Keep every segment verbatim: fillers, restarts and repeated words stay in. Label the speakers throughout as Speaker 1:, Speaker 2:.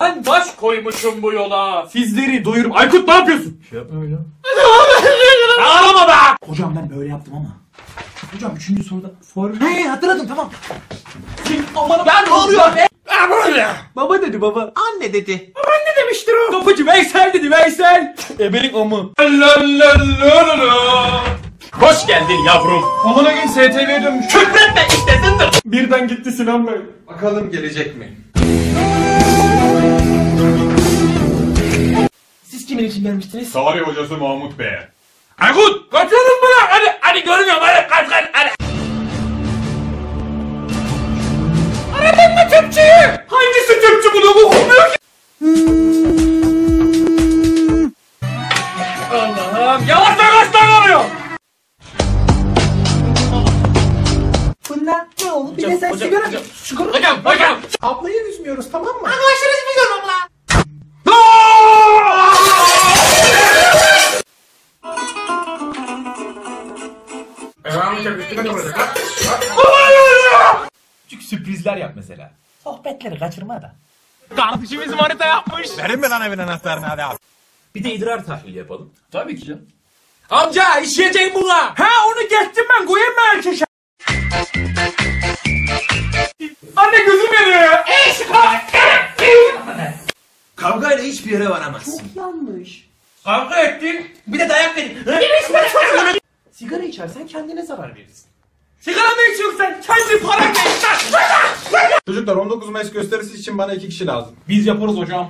Speaker 1: Ben baş koymuşum bu yola. Sizleri doyurum. Aykut ne yapıyorsun? Şey yapma öyle. Ağlama be!
Speaker 2: Hocam ben böyle yaptım ama. Hocam üçüncü soruda form... He hatırladım tamam.
Speaker 1: Aman ben ne oluyor be? Böyle.
Speaker 2: Baba dedi baba. Anne dedi.
Speaker 1: Anne demiştir o. Kapıcı Veysel dedi Veysel. Ebelik amı. Hoş geldin yavrum.
Speaker 3: Amına gün S T V'ye dönmüş.
Speaker 1: Küfretme işte zındır.
Speaker 3: Birden gitti Sinan Bey. Bakalım gelecek mi?
Speaker 2: Siz kimin için gelmiştiniz?
Speaker 3: Tarih hocası Mahmut Bey.
Speaker 1: Aykut kaçalım mı lan? Hadi hadi görmüyorum hadi kaç kaç hadi. Aradın mı tüpçüyü? Hangisi tüpçü bunu bu olmuyor ki? Allah'ım yavaş yavaş oluyor.
Speaker 2: Bunlar ne oldu? Bir de sen sigara... Sigara...
Speaker 1: Hocam hocam.
Speaker 2: Ablayı üzmüyoruz tamam mı?
Speaker 1: Arkadaşlar üzmüyorum abla.
Speaker 2: Küçük sürprizler yap mesela. Sohbetleri kaçırma da.
Speaker 1: Kardeşimiz manita yapmış.
Speaker 4: Verin mi lan evin anahtarını hadi abi.
Speaker 2: Bir de idrar tahlili yapalım.
Speaker 1: Tabii ki canım. Amca işleyeceğim buna. Ha onu geçtim ben koyayım mı erkeşe? Anne gözüm yanıyor ya.
Speaker 2: Kavgayla hiçbir yere varamazsın.
Speaker 1: Çok yanlış. Kavga ettin.
Speaker 2: Bir de dayak verin. Sigara içersen kendine zarar verirsin.
Speaker 1: Sigara mı içiyorsun sen? Kendi paranla iç lan.
Speaker 3: Çocuklar on dokuz Mayıs gösterisi için bana iki kişi lazım.
Speaker 1: Biz yaparız hocam.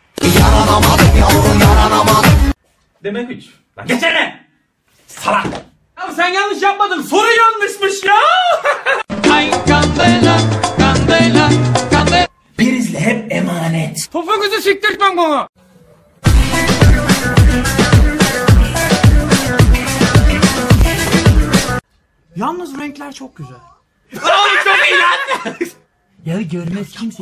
Speaker 2: Demek hiç.
Speaker 1: Lan geçene. Salak. Ya sen yanlış yapmadın. Soru yanlışmış ya. Ay kandela, kandela, kandela.
Speaker 2: Prizle hep emanet.
Speaker 1: Topuğunuzu siktirtmem bana.
Speaker 2: Yalnız renkler çok güzel.
Speaker 1: Oğlum çok iyi lan.
Speaker 2: Ya görmez kimse.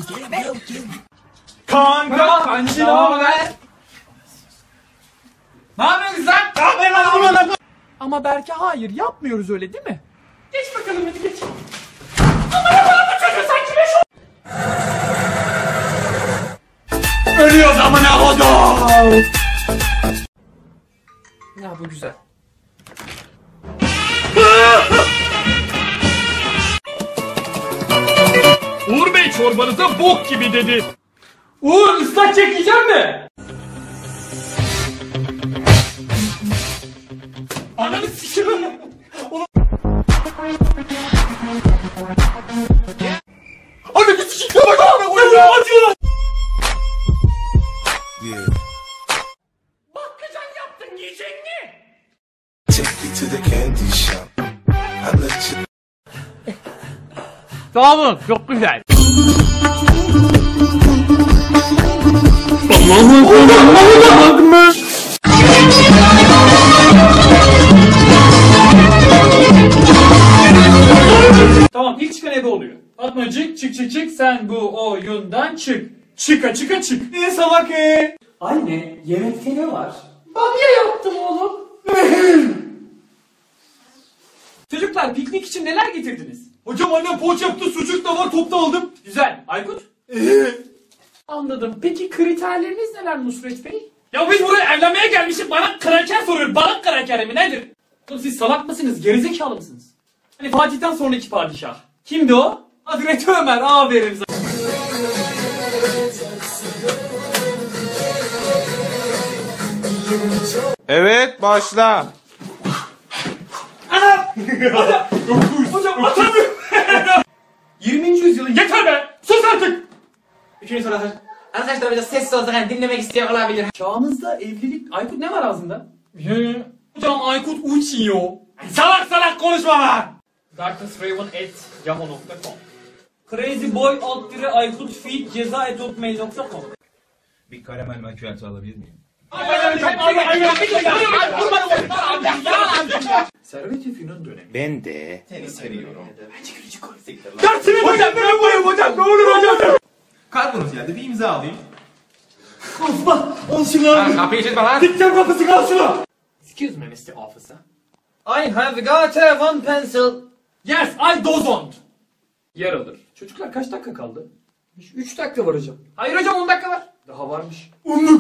Speaker 1: Kanka kancı ne haber? Ne yapıyorsun sen? Ne yapıyorsun lan?
Speaker 2: Ama Berke hayır yapmıyoruz öyle değil mi?
Speaker 1: Geç bakalım hadi geç. Aman aman bu çocuğu sen kime şu... Ölüyoruz amına kodum.
Speaker 2: Ya bu güzel.
Speaker 1: Uğur Bey çorbanıza bok gibi dedi. Uğur ıslak çekeceğim mi? Ananı sikiyorum. Ananı sikiyorum. Bak amına koyayım. Acıyor lan. Bakkacan yaptın yiyecek mi? Sağ olun çok güzel. Tamam ilk çıkan ebe oluyor. Fatmacık çık çık çık sen bu oyundan çık. Çıka çıka çık. Ne salak e? Anne yemekte ne var? Bamya yaptım oğlum. Çocuklar piknik için neler getirdiniz? Hocam annem poğaça yaptı, sucuk da var, topta aldım. Güzel. Aykut? Anladım. Peki kriterleriniz neler Nusret Bey? Ya biz buraya evlenmeye gelmişiz. Bana kraker soruyor. Balık krakeri mi nedir? Oğlum siz salak mısınız? Gerizekalı mısınız? Hani Fatih'ten sonraki padişah. Kimdi o? Hazreti Ömer. Aferin sana.
Speaker 4: Evet başla.
Speaker 1: Hocam atamıyorum. yirminci yüzyılın yeter be. Sus artık. Üçüncü soru hazır.
Speaker 2: Arkadaşlar biraz sessiz olsak hani dinlemek isteyen olabilir.
Speaker 1: Çağımızda evlilik... Aykut ne var ağzında? Hocam Aykut uçuyor. Salak salak konuşma lan. darknessraven at yahoo nokta com Crazyboy alt dire Aykut feed ceza et hotmail nokta com
Speaker 4: Bir karamel makyajı alabilir miyim?
Speaker 2: Servet-i Fünun dönemi.
Speaker 4: Ben de.
Speaker 2: Tenis veriyorum.
Speaker 1: Dersini hocam ne yapayım hocam ne olur hocam.
Speaker 3: Kargonuz geldi bir imza alayım.
Speaker 1: Osman on şunu al.
Speaker 4: Kapıyı çizme lan.
Speaker 1: Dikten kapısı kal şunu.
Speaker 2: Excuse me mister Officer.
Speaker 1: I have got a one pencil. Yes I don't. Yer alır. Çocuklar kaç dakika kaldı? üç dakika var hocam. Hayır hocam on dakika var. Aa varmış.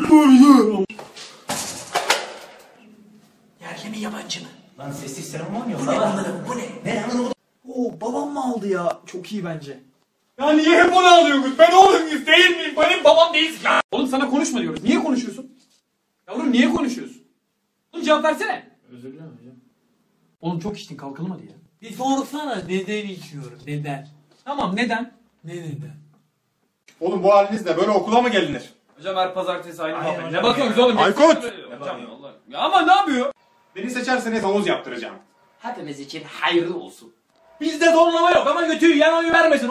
Speaker 2: Yerli mi yabancı mı? Lan sessiz sinema oynuyor. Bu ne anladım bu ne? Ne anladım? Oo babam mı aldı ya? Çok iyi bence.
Speaker 1: Ya niye hep onu alıyorsunuz? Ben oğlunuz değil miyim? Benim babam değilsin ya. Oğlum sana konuşma diyoruz. Niye konuşuyorsun? Yavrum niye konuşuyorsun? Oğlum cevap versene. Özür dilerim hocam. Oğlum çok içtin kalkalım hadi ya.
Speaker 5: Bir sorsana neden içiyorum? Neden?
Speaker 1: Tamam neden?
Speaker 5: Ne neden?
Speaker 3: Oğlum bu halinizle böyle okula mı gelinir?
Speaker 1: Hocam her pazartesi aynı
Speaker 2: Hayır
Speaker 1: muhabbet.
Speaker 2: hocam
Speaker 1: Ne bakıyorsunuz
Speaker 2: ya.
Speaker 1: oğlum?
Speaker 3: Aykut!
Speaker 1: Hocam Allah. Ya ama ne yapıyor?
Speaker 3: Beni seçerseniz havuz yaptıracağım.
Speaker 5: Hepimiz için hayırlı olsun.
Speaker 2: Bizde zorlama yok ama götüyü yan oyu vermesin.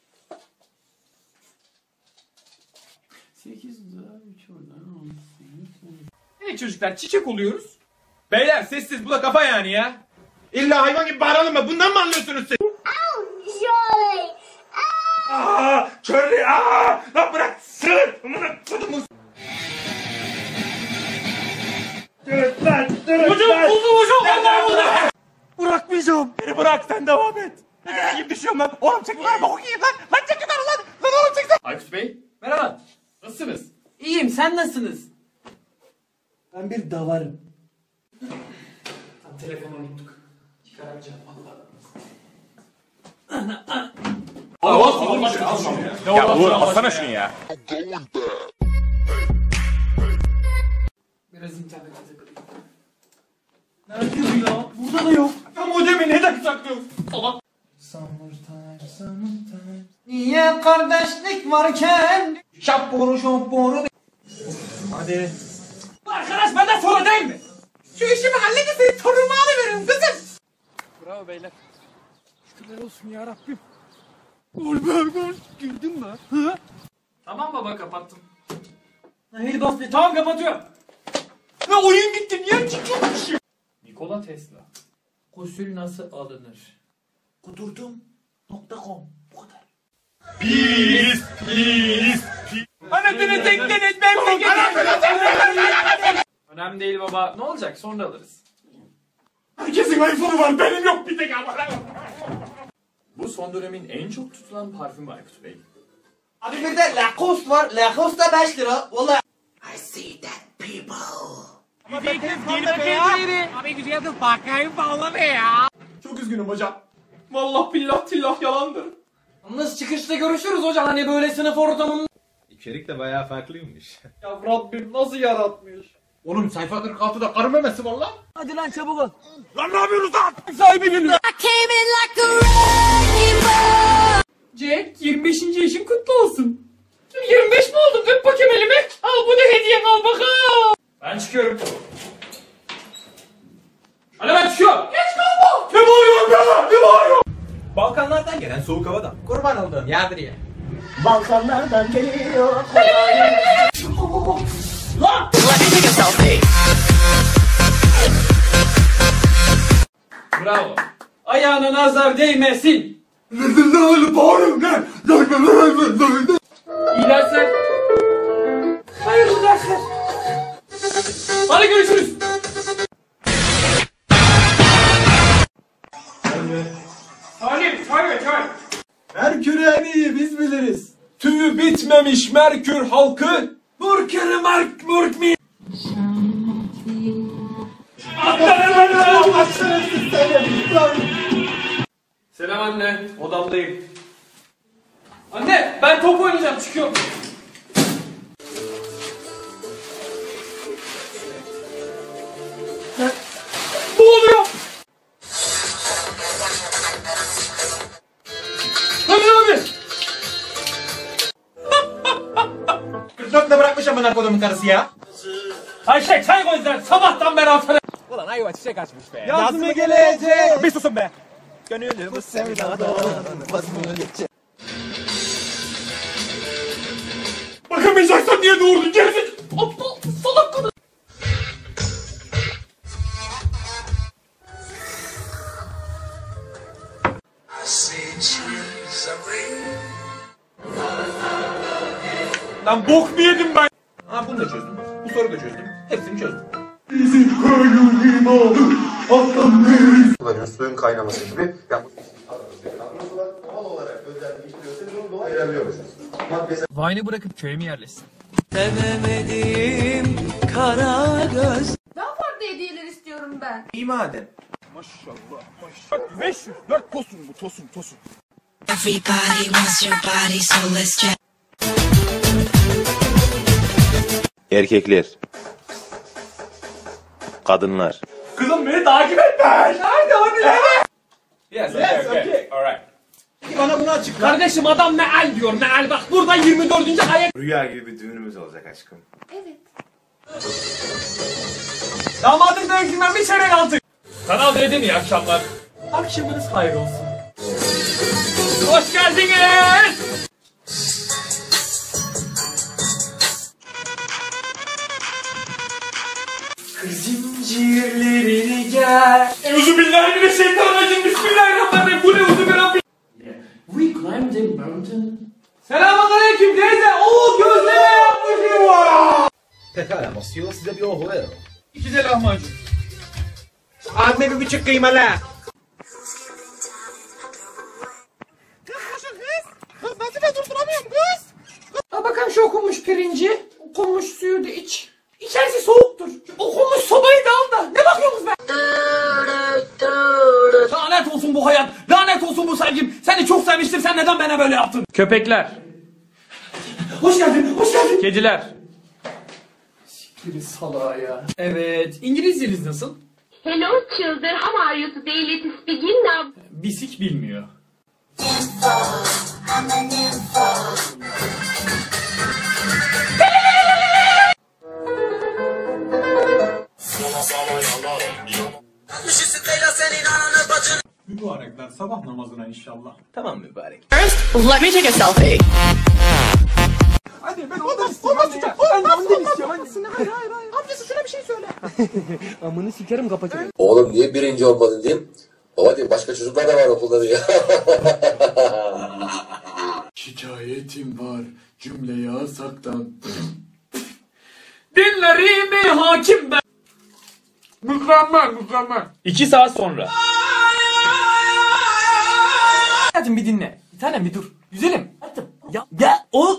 Speaker 1: sekiz daha üç oradan on sekiz. Evet çocuklar çiçek oluyoruz. Beyler sessiz bu da kafa yani ya.
Speaker 3: İlla hayvan gibi bağıralım mı? Bundan mı anlıyorsunuz siz?
Speaker 6: Surely.
Speaker 3: Aaa! Körlü! Aaa! Lan bırak! Sır! Amına kodumun! Dur lan! Dur
Speaker 1: Hocam
Speaker 3: lan!
Speaker 1: buldum hocam. Allah Allah.
Speaker 3: Bırakmayacağım! Beni bırak sen devam et! Ne diyeyim düşüyorum lan! Oğlum çek lan! Bak okuyayım lan! Lan çek lan lan! Lan oğlum çek lan!
Speaker 1: Aykut Bey merhaba. Nasılsınız? İyiyim sen nasılsınız?
Speaker 2: Ben bir davarım.
Speaker 1: Tam telefonu unuttuk. Çıkaracağım valla.
Speaker 3: Ya Uğur alsana şunu ya!
Speaker 1: Biraz internete takılayım.
Speaker 2: Nerede bu ya? Burada da yok.
Speaker 1: Ya modemi neden saklıyorsun? Allah.
Speaker 2: Niye kardeşlik varken? Şapboru şapboru. Hadi.
Speaker 1: Bu arkadaş benden sonra değil mi? Şu işimi halledin torunumu alıveririm kızım. Bravo beyler. Şükürler olsun ya Rabbim. Gol be gol. Girdin mi? Hı? Tamam baba kapattım.
Speaker 2: Haydi bas bir.
Speaker 1: Tamam kapatıyorum. Ne oyun gitti niye çıkıyormuş? Nikola Tesla. Gusül nasıl alınır?
Speaker 2: Kudurdum. Nokta com. Bu kadar.
Speaker 3: Pis! Pis!
Speaker 1: Anasını tekleniz ben önemli değil baba. Ne olacak sonra alırız.
Speaker 3: Herkesin iPhone'u var benim yok bir tek ama.
Speaker 1: Bu son dönemin en çok tutulan parfümü Aykut Bey.
Speaker 2: Abi bir de Lacoste var. Lacoste da beş lira. Valla. I see that people.
Speaker 3: Çok üzgünüm hocam.
Speaker 1: Vallahi billah tillah yalandır.
Speaker 2: Yalnız çıkışta görüşürüz hocam. Hani böyle sınıf ortamında.
Speaker 4: İçerik de bayağı farklıymış.
Speaker 1: Ya Rabbim nasıl yaratmış?
Speaker 3: Oğlum sayfa kırk altıda karı memesi var lan.
Speaker 5: Hadi lan çabuk ol.
Speaker 3: Lan ne yapıyorsunuz lan?
Speaker 1: Sahibi geliyor.
Speaker 6: I came in like a wrecking ball.
Speaker 1: Jack yirmi beşinci yaşın kutlu olsun. yirmi beş mi oldun? Öp bakayım elimi. Al bu da hediyen al bakalım. Ben çıkıyorum. Hadi ben çıkıyorum. Geç kalma. Ne bağırıyorsun be? Ne bağırıyorsun?
Speaker 2: Balkanlardan gelen soğuk havadan. Kurban olduğum Yadriye.
Speaker 6: Balkanlardan geliyor.
Speaker 1: Lan! Bravo. Ayağına nazar değmesin. İyi dersler. Hayırlı dersler. Hadi görüşürüz. Salim, çay ver çay.
Speaker 2: Merkür en iyi biz biliriz.
Speaker 1: Tüyü bitmemiş Merkür halkı. Murkürü Mark Murk mi? Selam anne, odamdayım. Anne, ben top oynayacağım, çıkıyorum. Ne oluyor? Hadi abi.
Speaker 2: kırk dörtte bırakmış amına kodumun karısı ya.
Speaker 1: Ayşe çay koydular, sabahtan beri haftada.
Speaker 2: Yaz mı gelecek?
Speaker 3: Bir susun be.
Speaker 1: Bakamayacaksan niye doğurdun gerizek? Aptal salak kadın.
Speaker 3: Lan bok mu yedim ben?
Speaker 2: Ha bunu da çözdüm. Bu soruyu da çözdüm. Hepsini çözdüm.
Speaker 7: kullanıyor. Suyun kaynaması gibi. Yani doğal olarak özel işliyorsa bunu dolayı ayırabiliyormuşuz. Maddesel
Speaker 1: Vine'ı bırakıp köye mi yerleşsin?
Speaker 5: Sevemediğim kara göz.
Speaker 6: Daha farklı hediyeler istiyorum ben.
Speaker 2: İyi madem.
Speaker 3: beş yüz dört tosun bu tosun tosun.
Speaker 6: Everybody wants your body, so let's try.
Speaker 8: Erkekler. Kadınlar.
Speaker 3: Kızım beni takip etme. Nerede hadi nerede?
Speaker 1: Yes,
Speaker 3: Yes, okay. Alright.
Speaker 2: Bana bunu açıkla.
Speaker 1: Kardeşim adam meal diyor meal bak burada yirmi dördüncü ayet.
Speaker 4: Rüya gibi bir düğünümüz olacak aşkım.
Speaker 6: Evet.
Speaker 1: Damadım dövüşünden bir çeyrek aldık. Kanal D'de mi iyi akşamlar? Akşamınız hayır olsun. Hoş geldiniz. Zincirlerini gel. Euzubillahimineşşeytanirracim. Bismillahirrahmanirrahim. Bu ne uzun We climbed a mountain. Selamünaleyküm teyze. Oo gözleme yapmışım var.
Speaker 7: Pekala Masio, size bir ohu verin.
Speaker 1: İki de lahmacun.
Speaker 2: Anne bir buçuk kıymalı.
Speaker 1: Ha bakalım şu okunmuş pirinci. Okunmuş suyu da iç. İçerisi soğuktur. Şu okunmuş sobayı da al da. Ne bakıyorsunuz be? Lanet olsun bu hayat. Lanet olsun bu sevgim. Seni çok sevmiştim. Sen neden bana böyle yaptın? Köpekler. Hoş geldin. Hoş geldin. Kediler. Siktir salağa ya. Evet. İngilizceniz nasıl?
Speaker 9: Hello children, how are you today? Let's begin now.
Speaker 1: Bisik bilmiyor.
Speaker 3: Mübarekler sabah namazına inşallah.
Speaker 2: Tamam mübarek.
Speaker 9: Let me take a selfie.
Speaker 3: Hadi ben ondan istiyorum. Hadi ya. Ben ondan istiyorum. Hadi. Hayır hayır hayır. Amcası şuna bir şey söyle.
Speaker 5: Amını sikerim kapatırım.
Speaker 7: Oğlum niye birinci olmadın diyeyim. Baba diyeyim başka çocuklar da var okulda diyor.
Speaker 1: Şikayetim var cümle yasaktan. Dinlerimi hakim ben. Mükemmel mükemmel. İki saat sonra. Hadi bir dinle. Bir tanem bir dur. Güzelim. Hadi. Ya ya o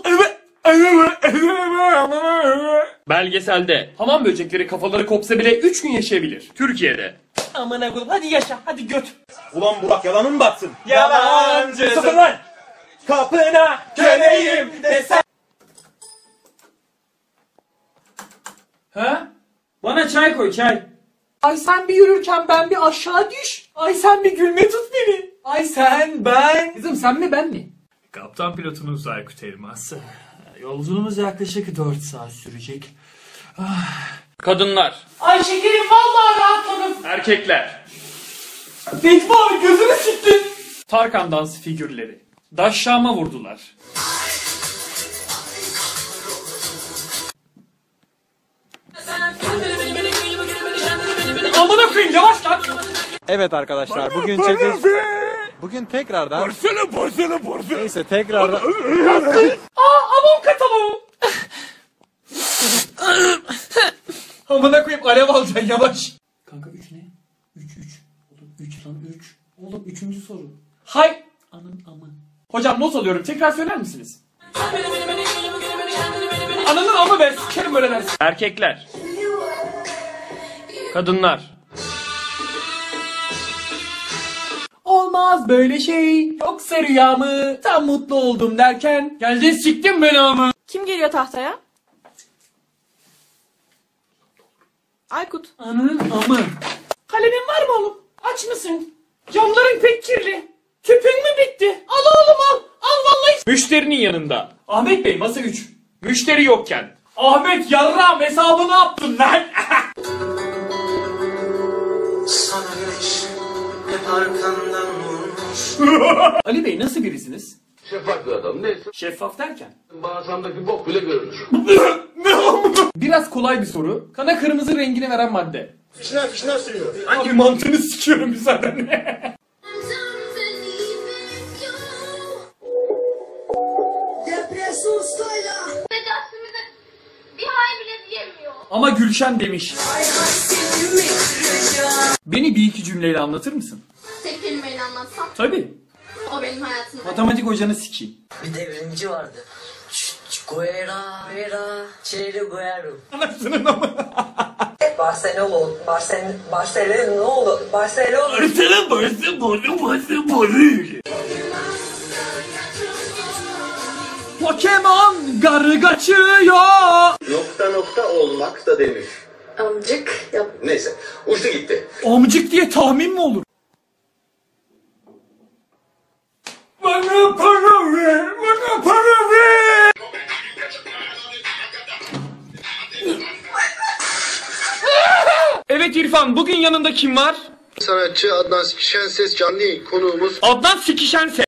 Speaker 1: belgeselde hamam böcekleri kafaları kopsa bile üç gün yaşayabilir. Türkiye'de. Amına koyayım hadi yaşa hadi göt.
Speaker 3: Ulan Burak yalanın mı batsın? Yalancısın lan. Kapına köleyim desen.
Speaker 1: Ha? Bana çay koy çay. Ay sen bir yürürken ben bir aşağı düş. Ay sen bir gülme tut beni. Ay sen ben. Kızım sen mi ben mi? Kaptan pilotumuz Aykut Elmas. Yolculuğumuz yaklaşık dört saat sürecek. Kadınlar. Ay şekerim vallahi rahatladım. Erkekler. Necmi abi gözünü siktin. Tarkan dans figürleri. Daşşama vurdular. Amına koyayım yavaş lan.
Speaker 3: Evet arkadaşlar bugün çekiş... Bugün tekrardan... Porsele porsele porsele. Neyse tekrardan...
Speaker 1: Aa avon kataloğu. Amına koyayım alev alacaksın yavaş. Kanka üç ne? üç üç. Oğlum üç lan üç. Oğlum üçüncü soru. Hay. Anın amı. Hocam not alıyorum tekrar söyler misiniz? Ananın amı be sikerim böyle dersin. Erkekler. Kadınlar. Olmaz böyle şey. Yoksa rüya mı? Tam mutlu oldum derken. Geldin siktin beni ama.
Speaker 9: Kim geliyor tahtaya? Aykut.
Speaker 1: Ananın amı. Kalemin var mı oğlum? Aç mısın? Camların pek kirli. Tüpün mü bitti? Al oğlum al. Al vallahi. Müşterinin yanında. Ahmet Bey masa üç. Müşteri yokken. Ahmet yarrağım hesabını yaptın lan.
Speaker 2: Sana güneş hep arkandan vurmuş.
Speaker 1: Ali Bey nasıl birisiniz?
Speaker 7: Şeffaf bir adam neyse.
Speaker 1: Şeffaf derken?
Speaker 7: Bağırsağımdaki bok bile görünür.
Speaker 1: Biraz kolay bir soru. Kana kırmızı rengini veren madde.
Speaker 7: Fişler fişler sürüyor.
Speaker 1: Hangi mantığını sikiyorum müsaadenle.
Speaker 9: Tecavüzümüze bir hay bile diyemiyor.
Speaker 1: Ama Gülşen demiş. Beni bir iki cümleyle anlatır mısın?
Speaker 9: Tek kelimeyle anlatsam
Speaker 1: Tabii.
Speaker 9: o benim hayatımda.
Speaker 1: Matematik hocanı sikeyim.
Speaker 5: Bir devrimci vardı. Guerra, guerra, Che Guerra.
Speaker 1: Anasının ama.
Speaker 5: Barcelona, Barcelona, Barcelona, Barcelona.
Speaker 1: Barcelona, Barcelona, Barcelona. Pokemon garı kaçıyor.
Speaker 7: Nokta nokta olmak da denir.
Speaker 9: Amcık yap.
Speaker 7: Neyse uçtu gitti.
Speaker 1: Amcık diye tahmin mi olur? Bana para ver, bana para ver. Evet İrfan, bugün yanında kim var?
Speaker 7: Sanatçı Adnan Sikişenses canlı yayın konuğumuz.
Speaker 1: Adnan Sikişense.